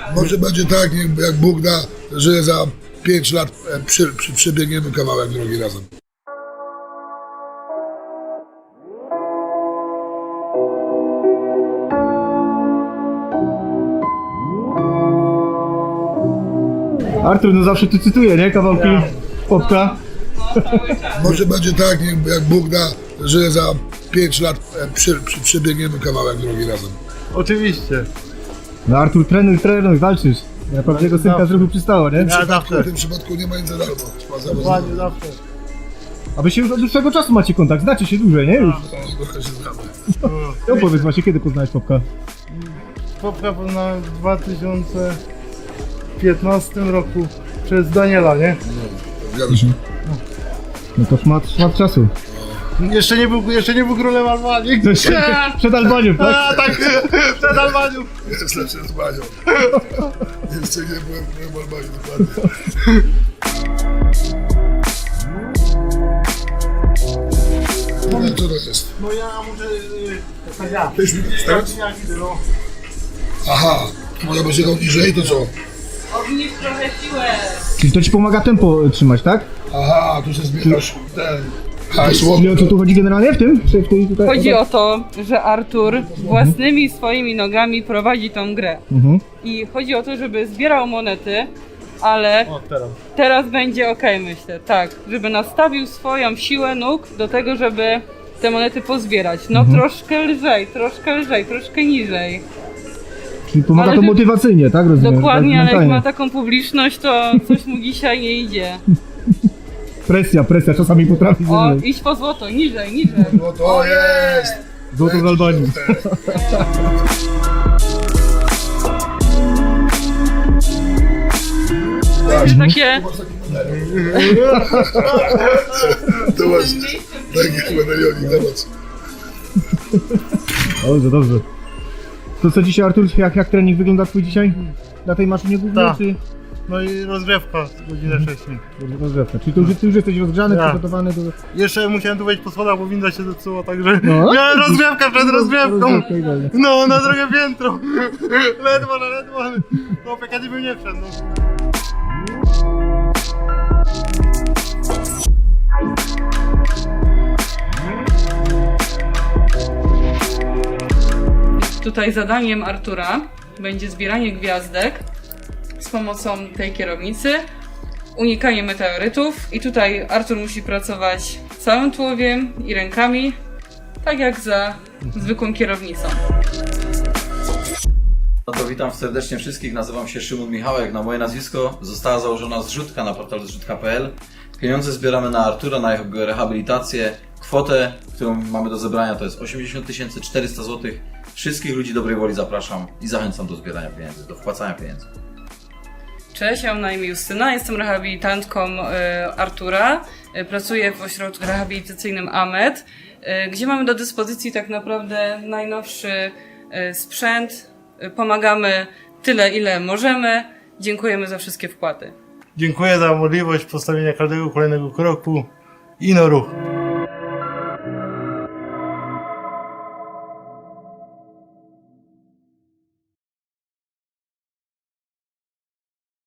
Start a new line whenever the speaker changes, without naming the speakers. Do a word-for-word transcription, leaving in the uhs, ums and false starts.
Może będzie tak, jak Bóg da, że za pięć lat przy, przy, przebiegniemy kawałek drogi razem.
Artur, no zawsze tu cytuje, nie? Kawałki Popka.
Może będzie tak, jak Bóg da, że za pięć lat przy, przy, przebiegniemy kawałek drogi razem.
Oczywiście.
No Artur, trenuj, trenuj, walczysz. Ja prawdziwego synka zrobił przystało, nie?
Ja zawsze.
W tym przypadku nie ma nic za darmo. Trzeba za
Dokładnie zawsze.
A wy się już od dłuższego czasu macie kontakt, znacie się dłużej, nie? Już.
Trochę się znamy.
No powiedz właśnie, kiedy poznałeś Popka?
Popka poznałem w dwa tysiące piętnastym roku przez Daniela, nie?
Zgadza się.
No to szmat, szmat czasu.
Jeszcze nie był, jeszcze nie był królem Albanii.
To się, przed Albanią, tak?
A, tak, przed Albanią.
Jest lepszy z Banią. Jeszcze nie byłem w Albanii, dokładnie. No, co to jest?
No ja muszę... Yy, tak ja.
Tyś mi
Ja,
tak?
ja idę, no.
Aha, może być jechał niżej, to co?
Obniż trochę siłę.
Czyli to ci pomaga tempo trzymać, tak?
Aha, tu się zbierasz ten hasło.
Czyli o co tu chodzi generalnie w tym? Czy w tej tutaj?
Chodzi o to, że Artur własnymi swoimi nogami prowadzi tą grę.
Mhm.
I chodzi o to, żeby zbierał monety, ale
O, teraz.
teraz będzie ok, myślę, tak. Żeby nastawił swoją siłę nóg do tego, żeby te monety pozbierać. No troszkę lżej, troszkę lżej, troszkę niżej.
Czyli pomaga
Ale
to
ty-
motywacyjnie, tak? Rozumiem,
Dokładnie,
tak
ale jak
mentalnie.
ma taką publiczność, to coś mu dzisiaj nie idzie.
Presja, presja czasami potrafi
O,
zrobić.
idź po złoto, niżej, niżej.
No to jest!
Złoto z Albanii.
Takie...
To masz taki medalionik, zobacz.
Dobrze, dobrze. To co dzisiaj, Artur, jak, jak trening wygląda twój dzisiaj? Na tej maszynie głównej,
Tak.
czy
No i rozgrzewka godzinę wcześniej.
rozgrzewka? Czyli to już, ty już jesteś rozgrzany,
Tak.
przygotowany do...
Jeszcze musiałem tu wejść po schodach, bo winda się zepsuła, także
No.
miałem rozgrzewkę przed rozgrzewką.
Rozgrzewka, idealnie.
No, na drugie piętro. Ledwo, no ledwo. No, Pekady bym nie wszedł. No.
Tutaj zadaniem Artura będzie zbieranie gwiazdek z pomocą tej kierownicy, unikanie meteorytów i tutaj Artur musi pracować całym tułowiem i rękami, tak jak za zwykłą kierownicą.
No to witam serdecznie wszystkich, nazywam się Szymon Michałek, na moje nazwisko została założona zrzutka na portalu zrzutka kropka p l. Pieniądze zbieramy na Artura, na jego rehabilitację. Kwotę, którą mamy do zebrania, to jest osiemdziesiąt tysięcy czterysta złotych. Wszystkich ludzi dobrej woli zapraszam i zachęcam do zbierania pieniędzy, do wpłacania pieniędzy.
Cześć, ja mam na imię Justyna, jestem rehabilitantką y, Artura. Y, pracuję w ośrodku rehabilitacyjnym A M E D, y, gdzie mamy do dyspozycji tak naprawdę najnowszy y, sprzęt. Y, pomagamy tyle, ile możemy. Dziękujemy za wszystkie wpłaty.
Dziękuję za możliwość postawienia każdego kolejnego kroku i no ruch.